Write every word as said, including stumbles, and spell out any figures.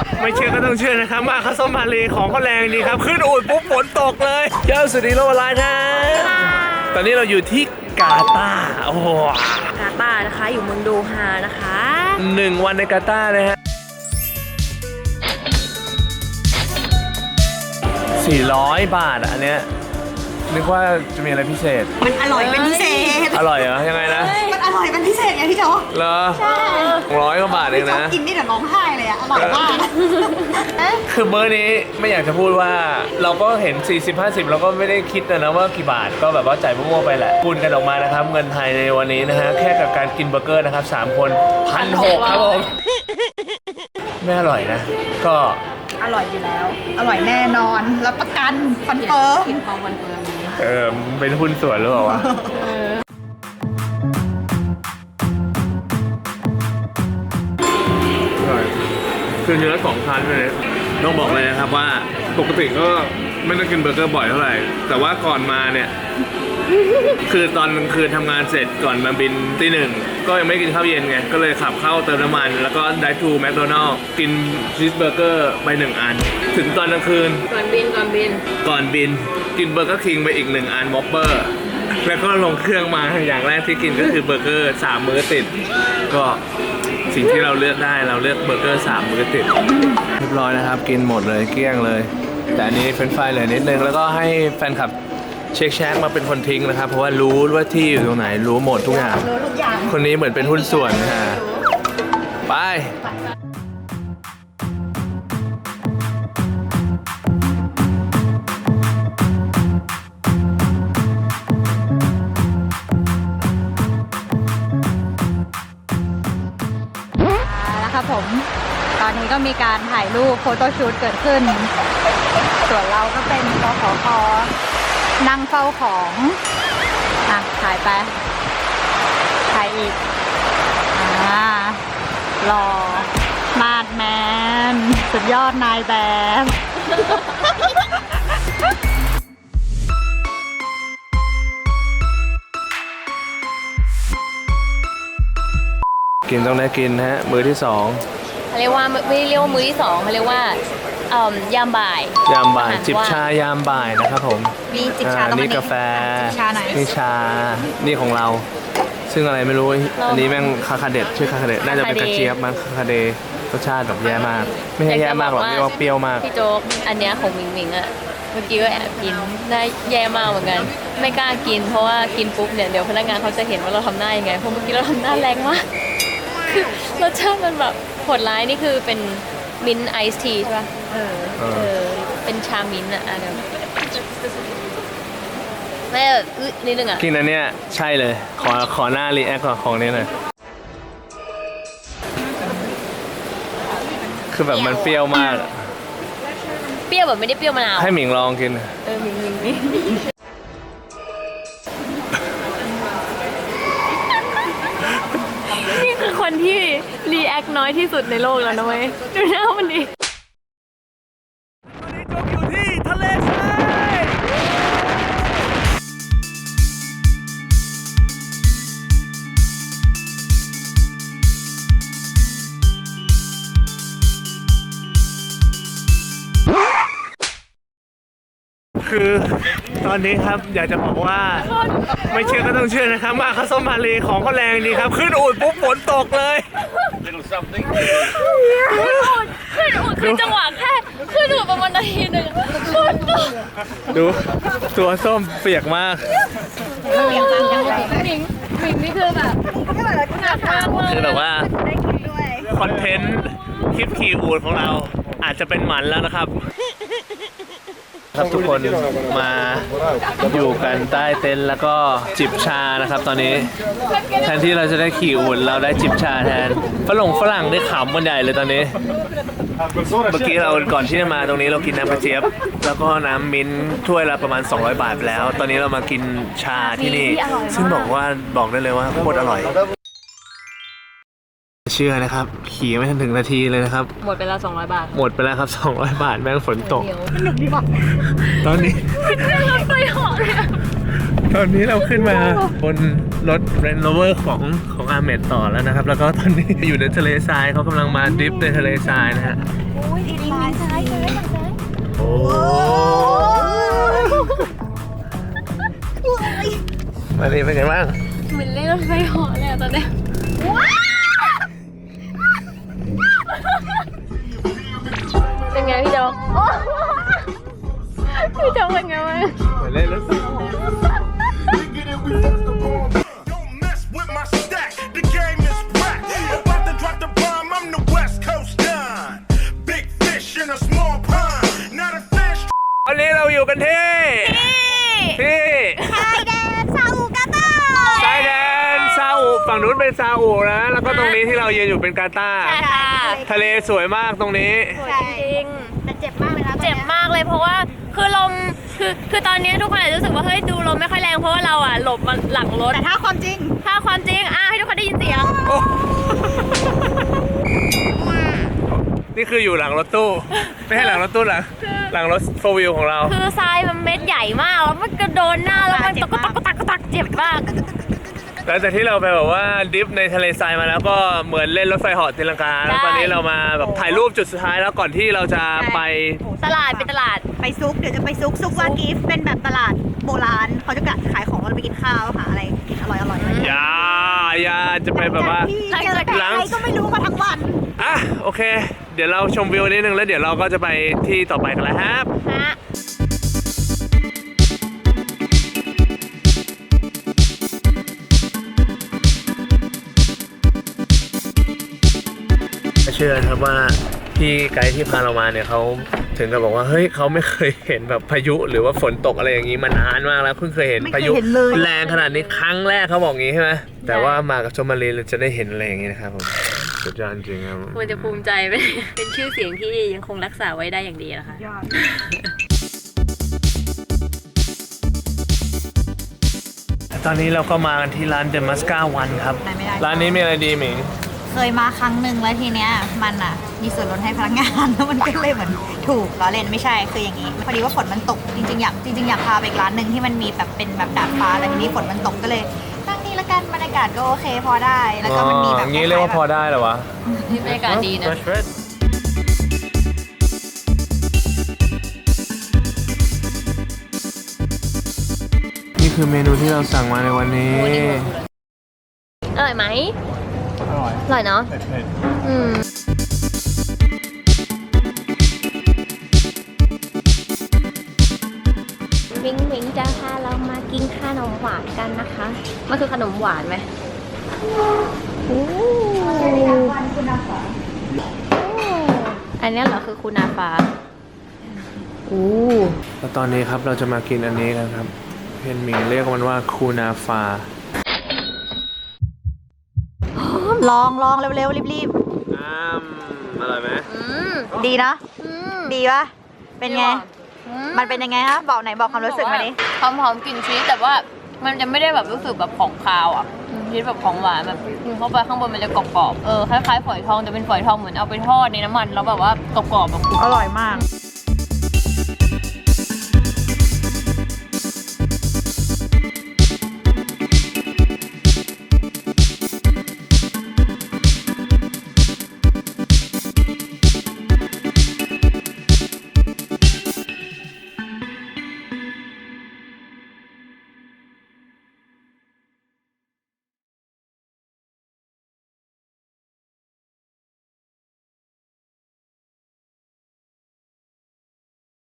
ไม่เชื่อก็ต้องเชื่อนะครับมาข้าวส้มมาเลของเขาแรงดีครับขึ้นอูดปุ๊บฝนตกเลยเจ้าสุดีโลวาลายนะตอนนี้เราอยู่ที่กาตาร์โอ้โหกาตาร์นะคะอยู่เมืองโดฮานะคะหนึ่งวันในกาตาร์นะฮะสี่ร้อยบาทอันเนี้ยนึกว่าจะมีอะไรพิเศษมันอร่อยเป็นพิเศษอร่อยเหรอยังไงนะมันอร่อยเป็นพิเศษไงพี่โจเหรอใช่ร้อยกว่าบาทเองนะกินนี่เดี๋ยวร้องไห้เลยอะอร่อยมากคือเบอร์นี้ไม่อยากจะพูดว่าเราก็เห็นสี่สิบ ห้าสิบเราก็ไม่ได้คิดนะว่ากี่บาทก็แบบว่าจ่ายมั่วๆไปแหละคูณกันออกมานะครับเงินไทยในวันนี้นะฮะแค่กับการกินเบอร์เกอร์นะครับสามคนพันหกครับผมไม่อร่อยนะก็อร่อยอยู่แล้วอร่อยแน่นอนรับประกันคอนเฟิร์มกินของคอนเฟิร์มเออเป็นหุ้นส่วนหรือเปล่าวะคือเนื้อสองชั้นเลยต้องบอกเลยนะครับว่าปกติก็ไม่ได้กินเบอร์เกอร์บ่อยเท่าไหร่แต่ว่าก่อนมาเนี่ยคือตอนกลางคืนทำงานเสร็จก่อนมาบินตีหนึ่งก็ยังไม่กินข้าวเย็นไงก็เลยขับเข้าเติมน้ำมันแล้วก็ไดทูแมคโดนัลล์กินชีสเบอร์เกอร์ไปหนึ่งอันถึงตอนกลางคืนก่อนบินก่อนบินก่อนบินกินเบอร์เกอร์คิงไปอีกหนึ่งอันมอปเปอร์แล้วก็ลงเครื่องมาอย่างแรกที่กินก็คือเบอร์เกอร์สามมื้อติดก็สิ่งที่เราเลือกได้เราเลือกเบอร์เกอร์สามมื้อติดเรียบร้อยนะครับกินหมดเลยเกลี้ยงเลยแต่อันนี้เฟรนช์ฟรายเลยนิดนึงแล้วก็ให้แฟนคลับเช็คแชกมาเป็นคนทิ้งนะครับเพราะว่ารู้ว่าที่อยู่ตรงไหนรู้หมดทุกอย่างคนนี้เหมือนเป็นหุ้นส่วนค่ะไปแล้วครับผมตอนนี้ก็มีการถ่ายรูปโฟโต้ชูตเกิดขึ้นส่วนเราก็เป็นกขคนั่งเฝ้าของอ่ะถ่ายไปถ่ายอีกอ่ารอมาดแมนสุดยอดนายแบบกินต้องได้กินฮะมื้อที่สองเขาเรียกว่าไม่เรียกว่ามื้อที่สองเขาเรียกว่ายามบ่ายยามบ่ายจิบชายามบ่ายนะครับผมนี่จิบชานี่กาแฟนี่ชานี่ของเราซึ่งอะไรไม่รู้อันนี้แม่งคาคาเด็ดชื่อคาคาเด็ดน่าจะเป็นกระเจี๊ยบมั้งคาคาเดรสชาติแบบแย่มากไม่ใช่แย่มากหรอกเรียกว่าเปรี้ยวมากพี่โจ๊กอันเนี้ยของมิงมิงอะเมื่อกี้ก็แอบกินได้แย่มากเหมือนกันไม่กล้ากินเพราะว่ากินปุ๊บเนี่ยเดี๋ยวพนักงานเขาจะเห็นว่าเราทำหน้ายังไงเพราะเมื่อกี้เราทำหน้าแรงมากคือรสชาติมันแบบโหดร้ายนี่คือเป็นมิ้นท์ไอซ์ทีใช่ป่ะเออเออเป็นชามิ้นท์อะอ่ะเดี๋ยวแม่แบบอึนิดนึงอะกินอันเนี้ยใช่เลยขอขอหน้ารีแอคของนี้หน่อยคือแบบมันเปรี้ยวมากเปรี้ยวแบบไม่ได้เปรี้ยวมะนาวให้หมิงลองกินเออหมิงหมิงนี่นี่คือคนที่รีแอคน้อยที่สุดในโลกแล้วนะเว้ยดูหน้ามันดิคือตอนนี้ครับอยากจะบอกว่าไม่เชื่อก็ต้องเชื่อนะครับมาข้าวส้มมาเลของเขาแรงดีครับขึ้นอูดปุ๊บฝนตกเลยขึ้นอูดขึ้นอูดคือจังหวะแค่ขึ้นอูดประมาณนาทีหนึ่งฝนตกดูตัวส้มเปียกมากเปียกมากหมิงหมิงนี่คือแบบคือแบบว่าคอนเทนต์คลิปขี่อูดของเราอาจจะเป็นหมันแล้วนะครับครับทุกคนมาอยู่กันใต้เต็นท์แล้วก็จิบชานะครับตอนนี้แทนที่เราจะได้ขี่อูฐเราได้จิบชาแทนฝรั่งฝรั่งได้ขำกันใหญ่เลยตอนนี้เมื่อกี้เราก่อนที่จะมาตรงนี้เรากินน้ำกระเจี๊ยบแล้วก็น้ำมิ้นถ้วยละประมาณสองร้อยบาทไปแล้วตอนนี้เรามากินชาที่นี่ซึ่งบอกว่าบอกได้เลยว่าโคตรอร่อยเชื่อนะครับขี่ไม่ทันถึงนาทีเลยนะครับหมดไปแล้วสองร้อยบาทหมดไปแล้วครับสองร้อยบาทแม่งฝนตกสนุกดีว่ะตอนนี้ขึ้นรถไฟเหาะเลยตอนนี้เราขึ้นมาบนรถ Range Rover ของของอาเมดต่อแล้วนะครับแล้วก็ตอนนี้อยู่ในทะเลทรายเขากำลังมาดริฟต์ในทะเลทรายนะฮะมาดีเป็นไงบ้างเหมือนเล่นรถไฟเหาะเลยอะตอนเนี้ยเป็นไงพี่โจ๊กพี่โจ๊กเป็นไงบ้างเหมือนเล่นรถไฟ Don't mess with my stack. The game is whack. About to drop the bomb. I'm the West Coast Don. Big fish in a small pond. Not a fish. วันนี้เราอยู่กันที่ที่ชายแดนซาอุกาตาร์ชายแดนซาอุฝั่งนู้นเป็นซาอุนะ แล้วก็ตรงนี้ที่เรายืนอยู่เป็นกาตาร์ใช่ค่ะทะเลสวยมากตรงนี้สวยจริงแต่เจ็บมากเลยนะเจ็บมากเลยเพราะว่าคือลมคือคือตอนนี้ทุกคนอาจจะรู้สึกว่าเฮ้ยดูลมไม่ค่อยแรงเพราะว่าเราอ่ะหลบมาหลังรถแต่ถ้าความจริงถ้าความจริงอ่ะให้ทุกคนได้ยินเสียงโอ้ นี่คืออยู่หลังรถตู้ ไม่ใช่หลังรถตู้หลังหลังรถโฟวิลของเราคือทรายมันเม็ดใหญ่มากแล้วมันกระโดนหน้าแล้วมันตะกุกตะกุกตะกุกตักเจ็บมากหลังจากที่เราไปแบบว่าดิฟในทะเลทรายมาแล้วก็เหมือนเล่นรถไฟเหาะตีลังกาแล้วตอนนี้เรามาแบบถ่ายรูปจุดสุดท้ายแล้วก่อนที่เราจะไปตลาดเป็นตลาดไปซุกเดี๋ยวจะไปซุกซุกวากิฟเป็นแบบตลาดโบราณเขาจะขายของเราไปกินข้าวหาอะไรกินอร่อยอร่อยๆอะไรอย่างเงี้ยอย่าอย่าจะไปแบบว่าหลังจากที่เจอแต่ใครก็ไม่รู้มาทั้งวันอ่ะโอเค เดี๋ยวเราชมวิวนิดนึงแล้วเดี๋ยวเราก็จะไปที่ต่อไปกันแล้วครับฮะเชื่อครับว่าพี่ไกด์ที่พาเรามาเนี่ยเขาถึงกับบอกว่าเฮ้ยเขาไม่เคยเห็นแบบพายุหรือว่าฝนตกอะไรอย่างนี้มานานมากแล้วเพิ่งเคยเห็นไม่เคยพายุเห็นเลยแรงขนาดนี้ครั้งแรกเขาบอกงี้ใช่ไหมแต่ว่ามากับชมมารีเราจะได้เห็นอะไรอย่างนี้นะครับผมสุดยอดจริงครับควรจะภูมิใจเป็นเป็นชื่อเสียงที่ยังคงรักษาไว้ได้อย่างดีนะคะตอนนี้เราก็มากันที่ร้านเดมัสกาวันครับไหนไม่ได้ร้านนี้มีอะไรดีหมิงเคยมาครั้งหนึ่งแล้วทีเนี้ยมันอ่ะมีส่วนลดให้พนักงาน แล้วมันก็เลยเหมือนถูกล้อเล่นไม่ใช่คืออย่างนี้พอดีว่าฝนมันตกจริงๆอยากจริงๆอยากพาไปอีกร้านหนึ่งที่มันมีแบบเป็นแบบดาดฟ้าแต่ทีนี้ฝนมันตกก็เลยนั่งนี่ละกันบรรยากาศก็โอเคพอได้แล้วก็มันมีแบบอ๋องี้เรียกว่าพอได้เหรอวะนี่บรรยากาศดีนะนี่คือเมนูที่เราสั่งมาในวันนี้อร่อยไหมอร่อยอร่อยเนาะเผ็ดอืมมิงมิงจะพาเรามากินขนมหวานกันนะคะ มันคือขนมหวานไหมอู้อันนี้เหรอคือคูนาฟ้าอู้แล้วตอนนี้ครับเราจะมากินอันนี้กันครับเพียนหมิงเรียกมันว่าคูนาฟาลองลองเร็วๆรีบอ้ามอร่อยไหมอืมๆดีนะอืมดีปะเป็นไง มันเป็นยังไงฮะบอกไหนบอกความรู้สึกมาดิหอมหอมๆกลิ่นชีสแต่ว่ามันจะไม่ได้แบบรู้สึกแบบของคาวอ่ะชีสแบบของหวานแบบกินเข้าไปข้างบนมันจะกรอบๆเออคล้ายๆฝอยทองแต่เป็นฝอยทองเหมือนเอาไปทอดในน้ำมันแล้วแบบว่ากรอบๆแบบอร่อยมาก